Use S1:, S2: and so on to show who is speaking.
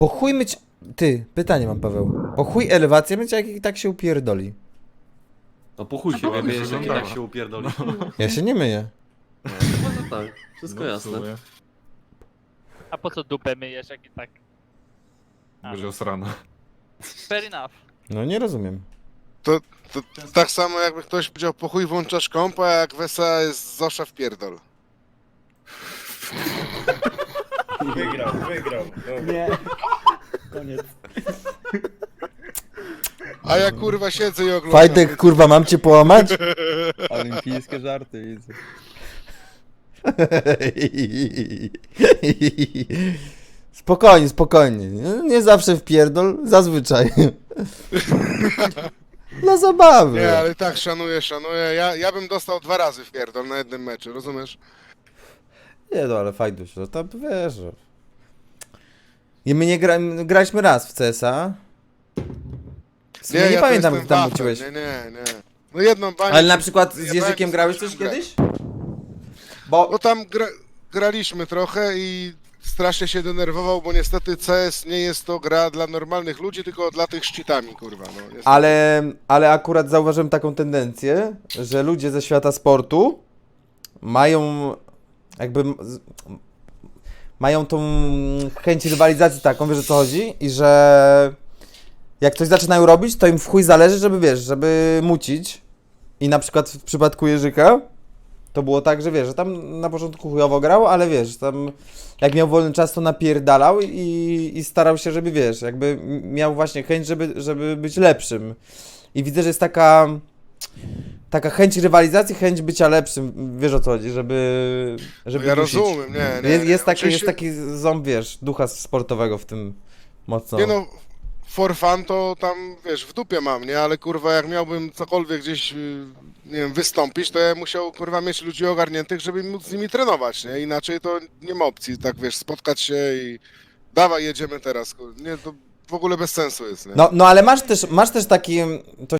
S1: Po chuj myć... Ty, pytanie mam, Paweł. Po chuj elewację myć, jak i tak się upierdoli.
S2: No po chuj się
S3: No,
S2: wiemy,
S3: to
S2: jeżeli
S3: wyglądało.
S2: tak się upierdoli.
S1: Ja się nie myję.
S2: No tak, wszystko
S3: No, w
S2: jasne.
S3: sumie.
S4: A po co dupę myjesz, jak i tak?
S3: Będzie osrana.
S4: Fair enough.
S1: No nie rozumiem.
S5: To tak samo jakby ktoś powiedział, po chuj włączasz kompa, a jak Wesa jest Zosza w pierdol.
S6: Wygrał. No.
S7: Nie. Koniec.
S5: A ja kurwa siedzę i oglądam.
S1: Fajtek, kurwa, mam cię połamać?
S7: Olimpijskie żarty widzę.
S1: Spokojnie, spokojnie. Nie zawsze w pierdol, zazwyczaj. Dla zabawy.
S5: Nie, ale tak, szanuję. Ja bym dostał 2 razy w pierdol na jednym meczu, rozumiesz?
S1: Nie no, ale fajduś, no tam wiesz. Że... I my nie graliśmy raz w CS-a. Nie
S5: ja
S1: pamiętam,
S5: to
S1: jak
S5: jestem
S1: tam
S5: wafel,
S1: wróciłeś.
S5: Nie. No jedną banię...
S1: Ale na przykład z
S5: ja
S1: Jerzykiem
S5: bałem
S1: grałeś
S5: z
S1: też
S5: grać.
S1: kiedyś? Bo...
S5: No tam graliśmy trochę i strasznie się denerwował, bo niestety CS nie jest to gra dla normalnych ludzi, tylko dla tych szczytami, kurwa. No, niestety.
S1: Ale akurat zauważyłem taką tendencję, że ludzie ze świata sportu mają jakby mają tą chęć rywalizacji taką, wiesz o co chodzi? I że jak coś zaczynają robić, to im w chuj zależy, żeby wiesz, żeby mucić. I na przykład w przypadku Jerzyka to było tak, że wiesz, że tam na początku chujowo grał, ale wiesz, tam jak miał wolny czas, to napierdalał i starał się, żeby wiesz, jakby miał właśnie chęć, żeby być lepszym. I widzę, że jest taka chęć rywalizacji, chęć bycia lepszym, wiesz o co chodzi, żeby
S5: No ja
S1: dusić.
S5: rozumiem, nie.
S1: Jest
S5: Oczywiście-
S1: taki ząb, wiesz, ducha sportowego w tym mocno.
S5: Nie no, for fun to tam, wiesz, w dupie mam, nie? Ale kurwa, jak miałbym cokolwiek gdzieś, nie wiem, wystąpić, to ja musiał, kurwa, mieć ludzi ogarniętych, żeby móc z nimi trenować, nie? Inaczej to nie ma opcji, tak, wiesz, spotkać się i dawaj, jedziemy teraz, nie, to w ogóle bez sensu jest, nie?
S1: No ale masz też taki, to